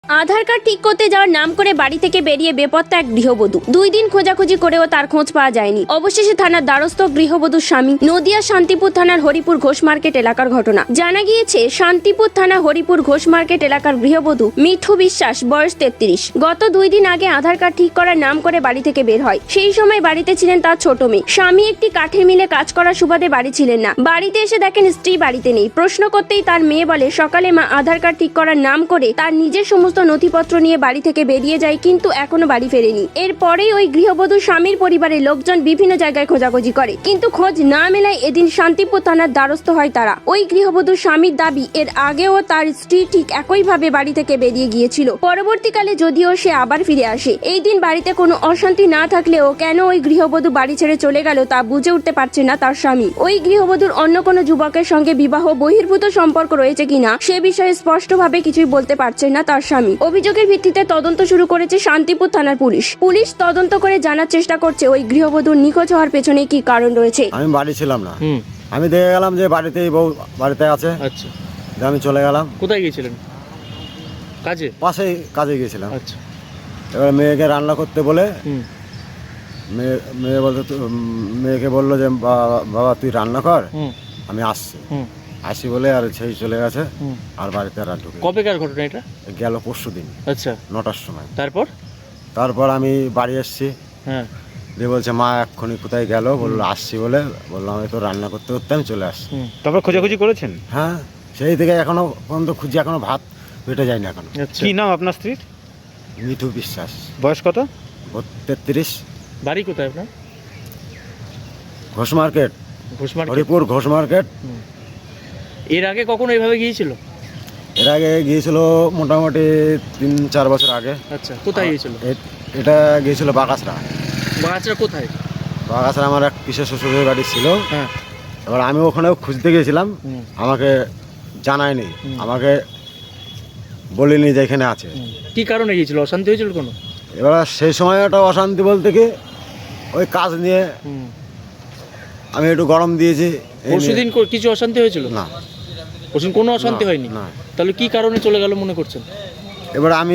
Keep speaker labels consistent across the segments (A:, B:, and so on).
A: আধার card ঠিক করতে যাওয়ার নাম করে বাড়ি থেকে বেরিয়ে বেপত্তা এক গৃহবধূ। 2 দিন খোঁজাখুঁজি করেও তার খোঁজ পাওয়া যায়নি। অবশেষে থানার দ্বারস্থ গৃহবধূর স্বামী। নদিয়া শান্তিপুর থানার হরিপুর ঘোষ মার্কেট এলাকার ঘটনা। জানা গিয়েছে শান্তিপুর থানা হরিপুর ঘোষ মার্কেট এলাকার গৃহবধূ মিঠু বিশ্বাস, বয়স 33। গত 2 দিন আগে আধার কার্ড ঠিক করার নাম করে বাড়ি থেকে বের হয়। সেই সময় বাড়িতে ছিলেন তার ছোট মেয়ে। স্বামী একটি কাঠের মিলে কাজ করার সুবাদে বাড়ি ছিলেন না। বাড়িতে এসে দেখেন স্ত্রী বাড়িতে নেই। প্রশ্ন করতেই তার মেয়ে বলে সকালে মা আধার কার্ড ঠিক করার নাম করে তার নিজের সমস্ত নথিপত্র নিয়ে বাড়ি থেকে বেরিয়ে যায়, কিন্তু এখনো বাড়ি ফেরেনি। এরপরেই ওই গৃহবধূর স্বামীর পরিবারের লোকজন বিভিন্ন জায়গায় খোঁজাখুঁজি করে, কিন্তু খোঁজ না মেলায় এদিন শান্তিপুর থানার দ্বারস্থ হয় তারা। ওই গৃহবধূর স্বামীর দাবি, এর আগেও তার স্ত্রী ঠিক একইভাবে বাড়ি থেকে বেরিয়ে গিয়েছিল। পরবর্তীকালে যদিও সে আবার ফিরে আসে। এই দিন বাড়িতে কোনো অশান্তি না থাকলেও কেন ওই গৃহবধূ বাড়ি ছেড়ে চলে গেল তা বুঝে উঠতে পারছে না তার স্বামী। ওই গৃহবধূর অন্য কোনো যুবকের সঙ্গে বিবাহ বহির্ভূত সম্পর্ক রয়েছে কিনা সে বিষয়ে স্পষ্টভাবে কিছুই বলতে পারছে না তার স্বামী। অভিযোগের ভিত্তিতে তদন্ত শুরু করেছে শান্তিপুর থানার পুলিশ। পুলিশ তদন্ত করে জানার চেষ্টা করছে ওই গৃহবধূর নিখোঁজ হওয়ার পেছনে কি কারণ রয়েছে।
B: আমি বাড়ি ছিলাম না, আমি দেখে গেলাম যে বাড়িতেই বউ বাড়িতে আছে।
C: আচ্ছা,
B: আমি চলে গেলাম।
C: কোথায় গিয়েছিলেন? কাজে?
B: পাশেই কাজে গিয়েছিলাম।
C: আচ্ছা,
B: এবার মেয়েকে রান্না করতে বলে মেয়েকে বললো যে বাবা তুই রান্না কর, আমি আসছি। আসি বলে আর সেই চলে গেছে, আর বাড়িতে আর ঢুকে।
C: কবেকার ঘটনা এটা?
B: গেল পরশুদিন।
C: আচ্ছা,
B: 9টার সময়।
C: তারপর
B: আমি বাড়ি এসছি।
C: হ্যাঁ,
B: দিয়ে বলছে মা এক্ষুনি কোথায় গেল, বললো আসছি বলে। বললাম আমি তো রান্না করতে করতে আমি চলে আসছি।
D: তারপর খোঁজাখুঁজি করেছেন?
B: হ্যাঁ, সেই থেকে এখনো পর্যন্ত খুঁজি, এখনো ভাত পেটে যায়নি এখনো।
C: আচ্ছা।
D: কি নাম আপনার স্ত্রীর?
B: মিঠু বিশ্বাস,
D: বয়স কত?
B: 33।
C: বাড়ি কোথায় আপনার?
B: Ghosh market,
C: Ghosh market.
B: Haripur Ghosh market.
C: এর আগে কখনো এইভাবে গিয়েছিল?
B: এর আগে গিয়েছিল মোটামুটি 3-4 বছর আগে।
C: আচ্ছা, কোথায় গিয়েছিল?
B: এটা গিয়েছিল বাগাছড়া।
C: বাচ্চারা কোথায়?
B: বাগাছড়া আমার এক পিসের শ্বশুরের বাড়ি ছিল।
C: হ্যাঁ,
B: এবার আমি ওখানেও খুঁজতে গিয়েছিলাম, আমাকে জানায়নি, আমাকে বলিনি যে এখানে আছে।
C: কি কারণে গিয়েছিল? অশান্তি হয়েছিল কোনো?
B: এবার সেই সময় একটা অশান্তি বলতে কি, ওই কাজ নিয়ে আমি একটু গরম দিয়েছি।
C: পরশুদিন কিছু অশান্তি হয়েছিল?
B: না,
C: পরশুদিন কোনো অশান্তি হয়নি।
B: না।
C: তাহলে কি কারণে চলে গেল মনে করছেন?
B: এবার আমি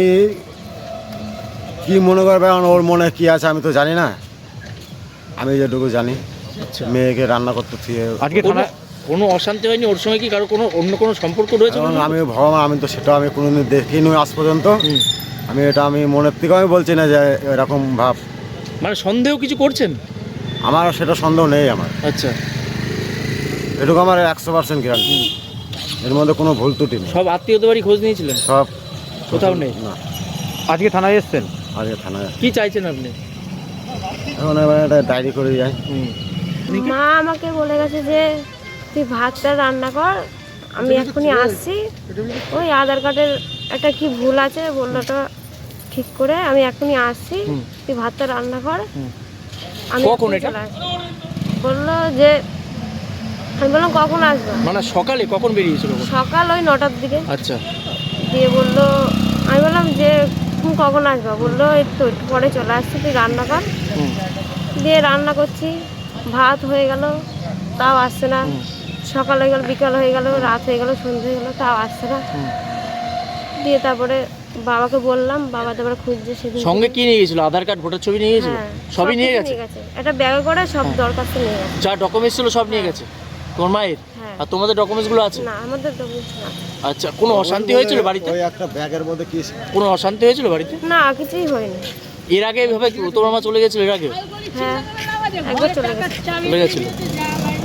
B: কি মনে করবে, এখন ওর মনে কি আছে আমি তো জানি না। আমি যেটুকু জানি,
C: আচ্ছা,
B: মেয়েকে রান্না করতে দিয়ে
D: আজকে থানা
C: কোনো অশান্তি হয়নি ওর সঙ্গে? কি কারো কোনো অন্য কোনো সম্পর্ক রয়েছে?
B: আমি ভগবান, আমি তো সেটা আমি কোনোদিন দেখিনি আজ পর্যন্ত। আমি মনের থেকে আমি বলছি না যে এরকম ভাব।
C: মানে সন্দেহ কিছু করছেন?
B: আমার সেটা সন্দেহ নেই আমার।
C: আচ্ছা,
B: এটুকু আমার 100% গ্যারান্টি, এর মধ্যে কোনো ভুল ত্রুটি নেই।
C: সব আত্মীয়দের বাড়ি খোঁজ নিয়েছিলেন?
B: সব
C: কোথাও নেই?
B: না।
D: আজকে থানায় এসেছেন?
B: আজকে থানায়
C: কি চাইছেন আপনি?
B: এখন এবার একটা ডায়েরি করে যাই।
E: মা আমাকে বলে গেছে যে তুই ভাতটা রান্না কর, আমি এক্ষুনি আসছি। ওই আধার কার্ডের একটা কি ভুল আছে, বললো ওটা ঠিক করে আমি এক্ষুনি আসছি, তুই ভাতটা রান্না কর। আমি
C: কখন
E: এক্ষুনি
C: এটা?
E: চলে আসবো। বললো যে, আমি বললাম কখন আসবো?
C: মানে সকালে কখন বেরিয়েছিল?
E: সকাল ওই 9টার দিকে।
C: আচ্ছা,
E: দিয়ে বললো, আমি বললাম যে তুমি কখন আসবো? বললো এই তো একটু পরে চলে আসছি, তুই রান্না কর। দিয়ে রান্না করছি, ভাত হয়ে গেল, তাও আসছে না। সকাল হয়ে গেল, বিকাল হয়ে গেল, রাত হয়ে গেল, সন্ধ্যে হয়ে গেল, তাও আসছে না। দিয়ে তারপরে বাবাকে বললাম, বাবা তারপরে খুঁজছে। সেদিন
C: সঙ্গে কি নিয়ে গেছিল? আধার কার্ড, ভোটার ছবি নিয়ে গেছিল?
E: হ্যাঁ,
C: সবই নিয়ে
E: সব
C: গেছে?
E: কিছু একটা ব্যাগে করে সব দরখাস্ত নিয়ে গেছে।
C: যা ডকুমেন্টস ছিল সব নিয়ে গেছে তোমার মায়ের?
E: হ্যাঁ।
C: আর তোমাদের ডকুমেন্টসগুলো আছে?
E: না, আমাদের ডকুমেন্টস না।
C: আচ্ছা, কোনো অশান্তি হয়েছিল বাড়িতে?
B: ওই একটা ব্যাগের মধ্যে কি
C: কোনো অশান্তি হয়েছিল বাড়িতে?
E: না, কিছুই হয়নি।
C: এর আগে এভাবে তোমার মা চলে গেছিল? এর আগে
E: হ্যাঁ, একবার চলে গেছে।
C: চলে গেছিল?